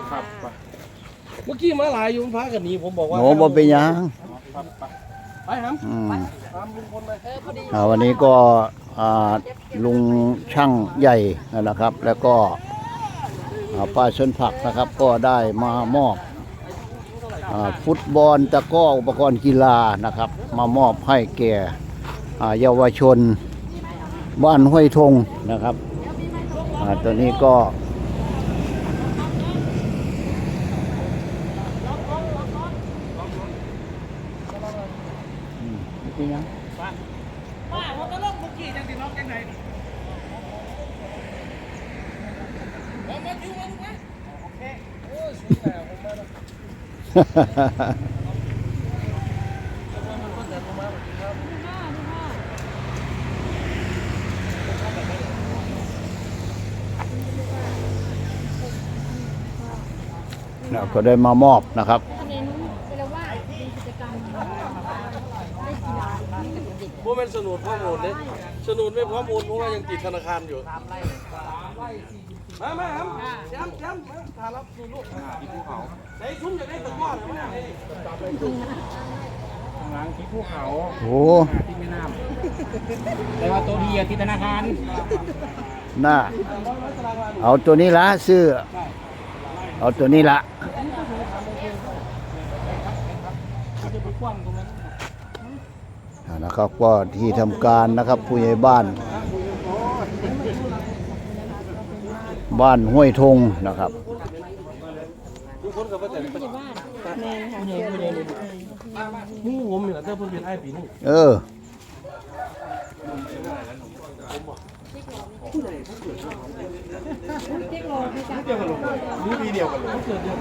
ครับเมื่อกี้มาหลายอยู่พากันนี้ผมบอกว่าโหบ่เป็นหยังไปครับตามลุงพลไปวันนี้ก็ลุงช่างใหญ่นะครับ แล้วก็ป้าชนผักนะครับก็ได้มามอบฟุตบอลตะกร้ออุปกรณ์กีฬานะครับ มามอบให้แก่เยาวชนบ้านห้วยทงนะครับตัวนี้ก็เป็นยังป้าผมก็ลงบุกี้จังสิน้องจังไหนมาอยู่มาดูไหมโอเคโอ้ยสุดแล้วผมมาแล้วก็ได้มามอบนะครับพวกมันสนุนพ่อโอนเลยสนุนไม่พร้อมโอนเพราะว่ายังติดธนาคารอยู่มาครับแชมป์ทานรับดูลูกที่ภูเขาใส่ชุ่มจะได้ตะก้อนหรือไม่ข้างหลังที่ภูเขาโอ้ที่แม่น้ำแต่ว่าตัวดีที่ธนาคารน่าเอาตัวนี้ละซื้อเอาตัวนี้ละนะครับก็ที่ทำการนะครับผู้ใหญ่บ้านห้วยทงนะครับทุกคนกับว่าแต่ผู้ใหญ่บ้านแม่ค่ะผู้ใหญ่นี่ผมเหรอเจ้าเพิ่งเป็นไอ้ปีนี่นี่ปีเดียวกันเลยเกิดเดือน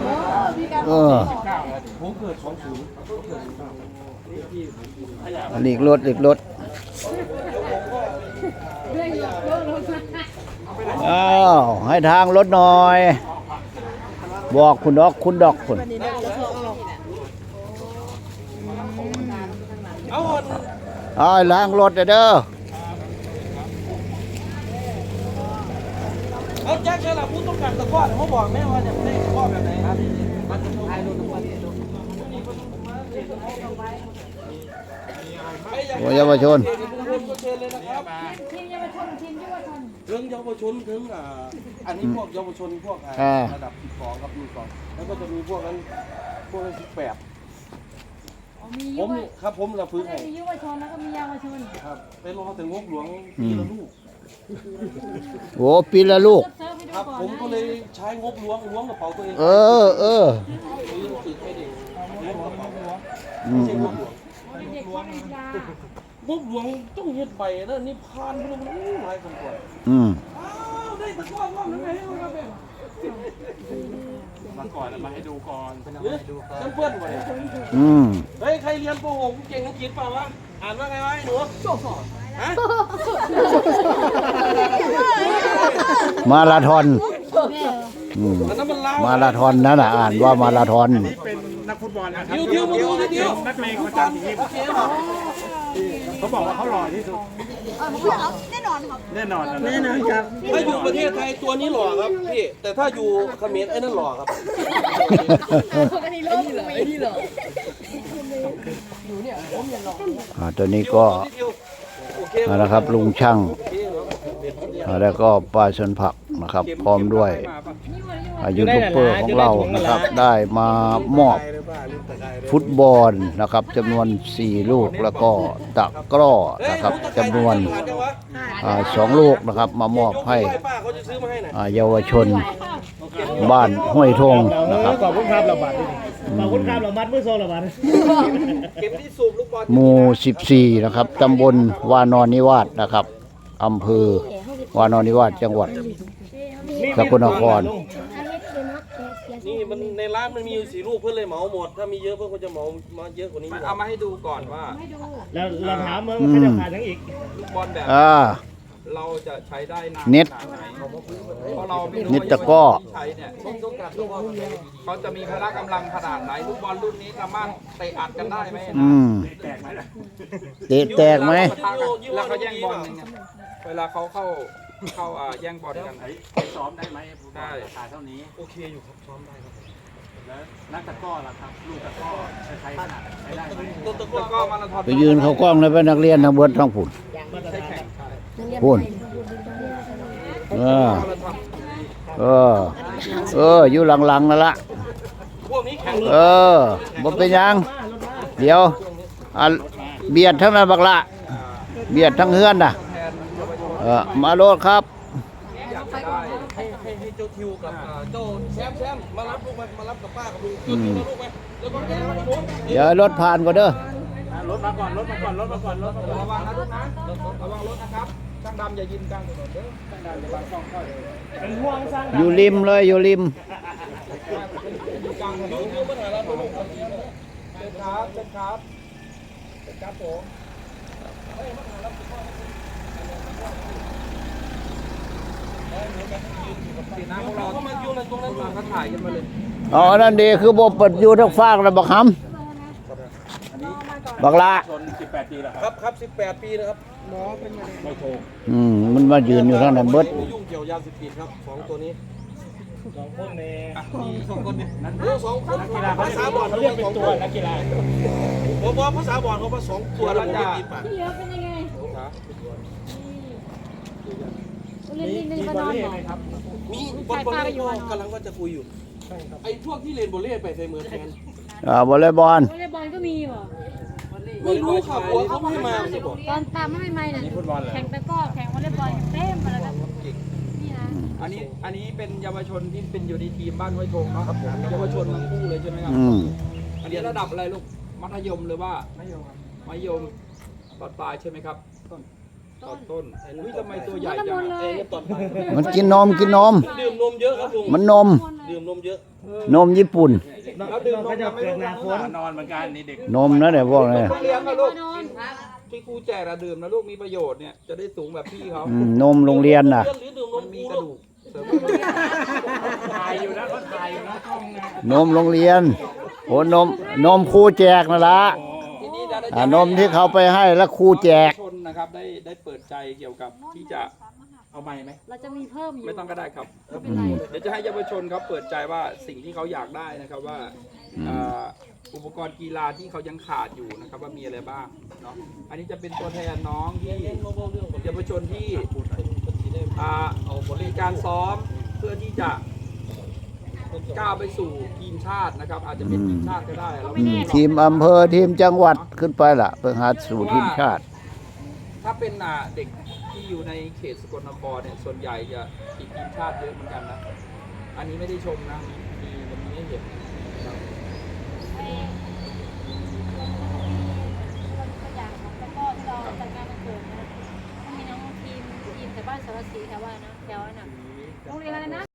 ผมเกิด20 อีกรถอ้าวให้ทางรถหน่อยบอกคุณดอกคุณเอาล้างรถเด้อเอาแจ็คเชล่ะผู้ต้องการตะก้อนเขาบอกแม่ว่าจะได้ตะก้อนแบบไหนครับมันจะท้ายรถเยาวชนทีมเยาวชนถึงเยาวชนถึงอันนี้พวกเยาวชนพวกระดับ12ครับ12แล้วก็จะมีพวกนั้น18ผมละฟื้นให้มีเยาวชนแล้วก็มีเยาวชนครับไปรอถึงงบหลวงปีละลูกโอ้ปีละลูกครับผมก็เลยใช้งบหลวงกระเป๋าตัวเองงบหลวงต้องเฮ็ดใบแล้วนี่พานพวกมันหลายคนกว่าได้ตะก้อนว่ามันไงครับมาก่อนมาให้ดูก่อนเพื่อนๆไว้เฮ้ยใครเรียนป .6 เก่งอังกฤษเปล่าวะอ่านว่าไงวะหนูมาราธอนมาราธอนนั่นน่ะอ่านว่ามาราธอนนี่เป็นนักฟุตบอลนะครับนักเลงประจำทีมเขาบอกว่าเขาหล่อที่สุดแน่นอนครับแน่นอนครับถ้าอยู่ประเทศไทยตัวนี้หล่อครับพี่แต่ถ้าอยู่เขมรไอ้นั่นหล่อครับอันนี้หล่อตัวนี้ก็นะครับลุงช่างแล้วก็ป้าชนผักนะครับพร้อมด้วยยูทูบเบอร์ของเรานะครับได้มามอบฟุตบอลนะครับจำนวน4ลูกแล้วก็ตะกร้อนะครับจำนวน2ลูกนะครับมามอบให้เยาวชนบ้านห้วยทงนะครับขอบคุณครับระบาดขอบคุณครับระบาดมือโซระบาดหมู่14นะครับตำบลวานอนนิวาสนะครับอำเภอวานอนนิวาสจังหวัดสกลนครนี่มันในร้านมันมีอยู่4ลูกเพื่อนเลยเหมาหมดถ้ามีเยอะเพื่อนก็จะเหมามาเยอะกว่านี้เอามาให้ดูก่อนว่าแล้วเราถามว่าใครจะขายทั้งอีกลูกบอลแบบเราจะใช้ได้นานเน็ตตะก้อเขาจะมีพละกำลังขนาดไหนลูกบอลรุ่นนี้สามารถเตะอัดกันได้ไหมเตะแตกไหมแล้วเขาแย่งบอลเวลาเขาเข้าเข้าแย่งบอลกันไปซ้อมได้ไหมได้ราคาเท่านี้โอเคอยู่ครับซ้อมได้ครับแล้วนักตะกร้อล่ะครับลูกตะกร้อใช้ขนาดใช้ได้ไหมต้นตะกแล้วก็ร้อมาราธอนไปยืนเขากล้องเลยเป็นนักเรียนทั้งเบิดทั้งผุนใช้แข่งพุ่นอยู่หลังๆนั่นละพวกนี้แข่งบ่เป็นหยัง เดี๋ยวเบียดทั้งนั้นบักละเบียดทั้งเฮือนน่ะมาโลดครับให้เจ้าทิวกับเจ้าแซมมารับลูกมารับกับป้ากับลุงเจ้าทิวมาลูกไหมแล้วก็แกมาโน้นเดี๋ยวรถผ่านก่อนเด้อรถมาก่อนรถมาก่อนรถมาก่อนรถมาก่อนระวังนะลูกนะระวังรถนะครับช่างดำอย่ายิงกลางถนนเด้อช่างดำอย่าบังกล้องเข้าเลยเป็นห่วงสร้างอยู่ริมเลยอยู่ริมยิงกลางถนนดูปัญหาเราลูกเป็นครับเป็นครับเป็นครับผมสีน้ำพวกเราเขามาอยู่ในตรงนั้นเขาถ่ายกันมาเลยอ๋อนั่นดีคือบ่เปิดอยู่ทั้งฟากแล้วบักหำบักละชน18 ปีแล้วครับครับ18 ปีนะครับไม่โทรมันมายืนอยู่ทางนั้นเบิดไม่ยุ่งเกี่ยวยาเสพติดครับ2ตัวนี้ 2 คนในมี2คนเนี่ยโอ้2คนนักกีฬาภาษาบอลเขาเรียกเป็นตัวนักกีฬาผมบอกภาษาบอลเขาว่า2ตัวแล้วผมไม่ติดปากพี่เยอะเป็นยังไงเล่นในบ้านนอนเหรอมีบอลเล่กำลังว่าจะคุยอยู่ไอ้พวกที่เล่นบอลเล่ไปใส่มือแทนวอลเลย์บอลวอลเลย์บอลก็มีเหรอไม่รู้ค่ะหัวเขาไม่ให้มาไม่บอกตอนตามไม่ไม่เนี่ยแข่งตะก้อแข่งวอลเลย์บอลเต็มมาแล้วกันนี่นะอันนี้เป็นเยาวชนที่เป็นอยู่ในทีมบ้านห้วยทงเนาะครับผมเยาวชนทั้งคู่เลยใช่ไหมครับอันนี้ระดับอะไรลูกมัธยมหรือว่ามัธยมตอนปลายใช่ไหมครับต้นอุ้ยทำไมตัวใหญ่จังไอ้เนี่ยตอนไปมันกินนมดื่มนมเยอะครับลุงมันนมดื่มนมเยอะนมญี่ปุ่นแล้วดื่มนมยังไม่รู้นะนอนเหมือนกันนี่เด็กนมนะเนี่ยพวกนี้เลี้ยงนะลูกที่ครูแจกอะดื่มนะลูกมีประโยชน์เนี่ยจะได้สูงแบบพี่เขานมโรงเรียนน่ะหรือดื่มนมัมนมีกูกระลูดูกกเสริมถ่ายอยู่นะเขาถ่ายอยู่นะกล้องนะนมโรงเรียนโอ้นมครูแจกนั่นละทีนี้จะนมที่เขาไปให้แล้วครูแจกชนนะครับได้เปิดใจเกี่ยวกับที่จะเอาไม้ไหมเราจะมีเพิ่มอยู่ไม่ต้องก็ได้ครับไม่เป็นไรเดี๋ยวจะให้เยาวชนเขาเปิดใจว่าสิ่งที่เขาอยากได้นะครับว่าอุปกรณ์กีฬาที่เขายังขาดอยู่นะครับว่ามีอะไรบ้างเนาะอันนี้จะเป็นตัวแทนน้องที่เยาวชนที่มีการซ้อมเพื่อที่จะก้าวไปสู่ทีมชาตินะครับ อาจจะเป็นทีมชาติก็ได้เราไม่แน่หรอกทีมอำเภอทีมจังหวัดขึ้นไปล่ะเพื่อหาสู่ทีมชาติถ้าเป็นเด็กที่อยู่ในเขตสกลนครเนี่ยส่วนใหญ่จะติดทีมชาติเยอะเหมือนกันนะอันนี้ไม่ได้ชมนะมันมีให้เห็นนะครับตัวอย่างของตะก้อที่เราจัดงานวันเกิดนะมีน้องทีมแต่บ้านสารสีแถวว่านะแถวน่ะโรงเรียนอะไรนะ